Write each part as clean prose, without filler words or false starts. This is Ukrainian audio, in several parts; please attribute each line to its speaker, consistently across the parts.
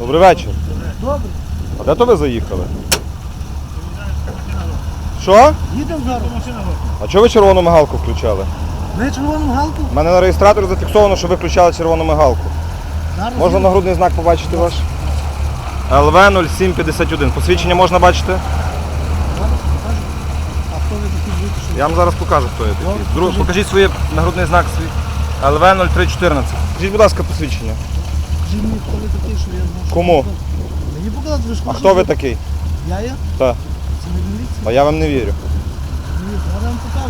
Speaker 1: Добрий вечір.
Speaker 2: Добре.
Speaker 1: А де то ви заїхали? Що?
Speaker 2: Їдемо зараз.
Speaker 1: А чого ви червону мигалку включали?
Speaker 2: Ми червону галку.
Speaker 1: У мене на реєстраторі зафіксовано, що ви включали червону мигалку.
Speaker 2: Зараз
Speaker 1: Можна нагрудний знак побачити ваш? ЛВ-0751. Посвідчення можна бачити?
Speaker 2: покажемо. А хто ви такі будете? Що?
Speaker 1: Я вам зараз покажу, хто я такий.
Speaker 2: покажіть.
Speaker 1: Покажіть свій нагрудний знак свій. ЛВ-0314. Скажіть, будь ласка, посвідчення.
Speaker 2: Скажіть мені, хто ви такий, що я знаю.
Speaker 1: Кому?
Speaker 2: Мені показати, ви ж
Speaker 1: А хто ви такий?
Speaker 2: Я є?
Speaker 1: Так.
Speaker 2: Це не міліція.
Speaker 1: А я вам не вірю.
Speaker 2: Ні, зараз я вам покажу.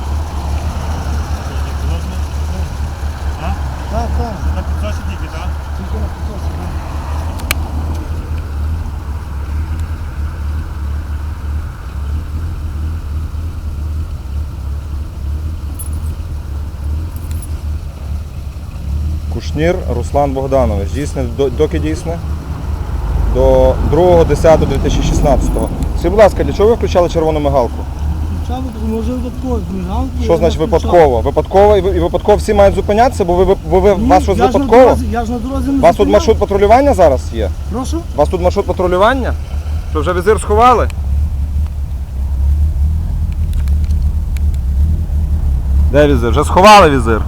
Speaker 2: Так, так.
Speaker 3: На підсосі тільки, так?
Speaker 2: Тільки на підсосі.
Speaker 1: Кушнір Руслан Богданович. Дійсне, доки дійсне? До 2.10.2016. Скажіть, будь ласка, для чого ви включали червону мигалку?
Speaker 2: Включали, може випадково. Мигалку.
Speaker 1: Що значить випадково? Випадково і випадково всі мають зупинятися, бо вас щось
Speaker 2: Я ж на
Speaker 1: випадково?
Speaker 2: дорозі, я ж на дорозі не
Speaker 1: У вас тут
Speaker 2: зупиняв.
Speaker 1: маршрут патрулювання зараз є?
Speaker 2: Прошу?
Speaker 1: У вас тут маршрут патрулювання? Що, вже візир сховали? Де візир? Вже сховали візир.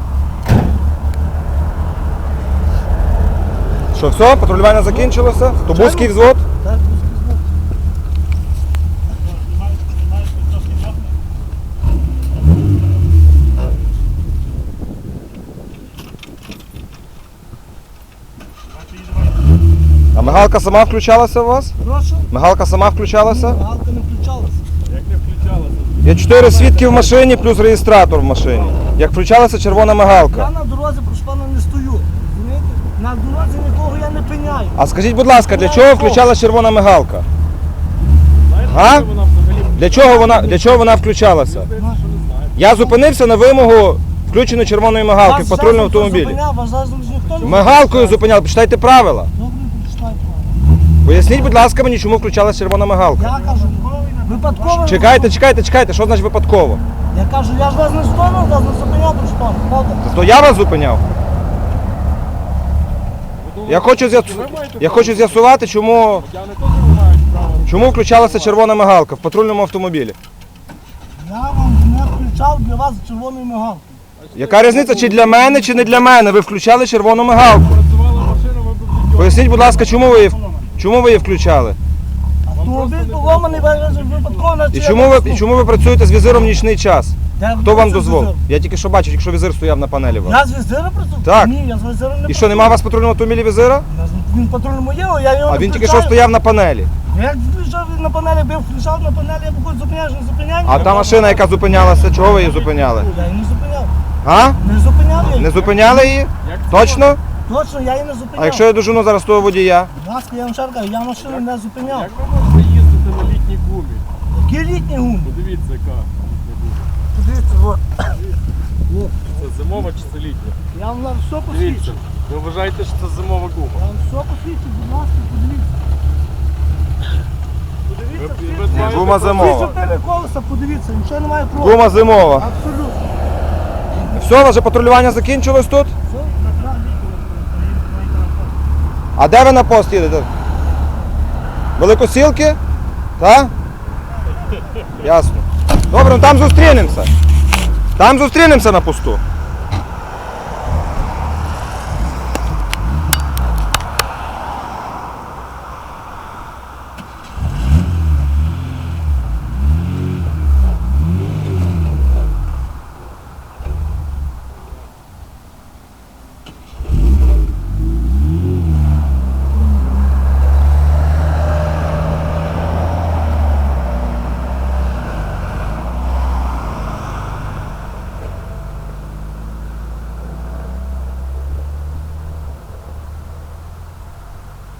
Speaker 1: Що, все? Патрулювання закінчилося? Тобузький взвод?
Speaker 2: Так,
Speaker 3: Знімаєш підсосні вогни?
Speaker 1: А мигалка сама включалася у вас?
Speaker 2: прошу?
Speaker 1: Мигалка сама включалася?
Speaker 2: Мигалка не включалася.
Speaker 3: Як не включалося?
Speaker 1: Є 4 свідки в машині плюс реєстратор в машині. Як включалася червона
Speaker 2: Я
Speaker 1: мигалка.
Speaker 2: на дорозі, прошу пана, не стою. Розумієте? На дорозі нікого я не пиняю.
Speaker 1: А скажіть, будь ласка, для чого включалася червона мигалка? А?
Speaker 3: Вона взагалі
Speaker 1: Для чого вона включалася?
Speaker 3: здається, що не знає.
Speaker 1: Я зупинився на вимогу включеної червоної мигалки в патрульному автомобілі.
Speaker 2: Вас зараз ніхто не
Speaker 1: Мигалкою зупиняли, почитайте правила.
Speaker 2: Добре, почитайте правила.
Speaker 1: Поясніть, будь ласка, мені, чому включалася червона мигалка.
Speaker 2: Я кажу, випадково.
Speaker 1: Чекайте, що значить випадково?
Speaker 2: Я кажу, я ж вас не стону, вас не зупиняв, прошу пана. Правда?
Speaker 1: То я вас зупиняв. Я хочу з'ясувати, чому
Speaker 3: Я не теж не мають права.
Speaker 1: включалася червона мигалка в патрульному автомобілі.
Speaker 2: Я вам не включав для вас червоної мигалки.
Speaker 1: Яка різниця, чи для мене, чи не для мене? Ви включали червону мигалку.
Speaker 3: Працювала машина, ви б відьо.
Speaker 1: Поясніть, будь ласка, чому ви її включали?
Speaker 2: Автомобіль поломаний, випадково на
Speaker 1: І чому ви працюєте з візиром в нічний час?
Speaker 2: Де
Speaker 1: Хто вам
Speaker 2: це
Speaker 1: дозволив?
Speaker 2: візир?
Speaker 1: Я тільки що бачив, якщо візир стояв на панелі у вас.
Speaker 2: Я з візира працюю?
Speaker 1: Так.
Speaker 2: Ні, я з візира не
Speaker 1: І
Speaker 2: працюю.
Speaker 1: що, нема у вас в патрульному автомобілі візира?
Speaker 2: Він патрульному є, я його
Speaker 1: А
Speaker 2: не
Speaker 1: він тільки
Speaker 2: включаю.
Speaker 1: що стояв на панелі.
Speaker 2: Як включав він на панелі, бив, включав на панелі, я виходить, зупиняєш, не зупиняєш.
Speaker 1: А та машина, яка зупинялася, чого ви її зупиняли?
Speaker 2: Я її не зупиняв.
Speaker 1: А?
Speaker 2: Не зупиняв я її.
Speaker 1: Не зупиняли її?
Speaker 3: Як це
Speaker 1: Точно?
Speaker 2: Точно, я її не зупиняв.
Speaker 1: А якщо я дожену зараз того водія?
Speaker 2: Будь ласка, я вам ще раз кажу, я машину не зупиняв.
Speaker 3: Як ви можете їздити на літній гумі?
Speaker 2: Які літні гуми?
Speaker 3: Подивіться, яка.
Speaker 2: Подивіться, от.
Speaker 3: Це зимова чи це літня?
Speaker 2: Я вам на все
Speaker 3: Дивіться.
Speaker 2: посвідчу.
Speaker 3: Ви вважаєте, що це зимова
Speaker 2: Я
Speaker 3: гума?
Speaker 2: вам все посвідчу, будь ласка, подивіться. Подивіться,
Speaker 3: Ви маєте
Speaker 1: Гума зимова.
Speaker 2: всі 4 колеса, подивіться, нічого немає проти.
Speaker 1: Гума зимова.
Speaker 2: Абсолютно.
Speaker 1: Все, ваше патрулювання закінчилось тут?
Speaker 2: Все, направо.
Speaker 1: А де ви на пост їдете? Великосілки? Так? Ясно. Добре, ну там зустрінемося. Там зустрінемося на посту.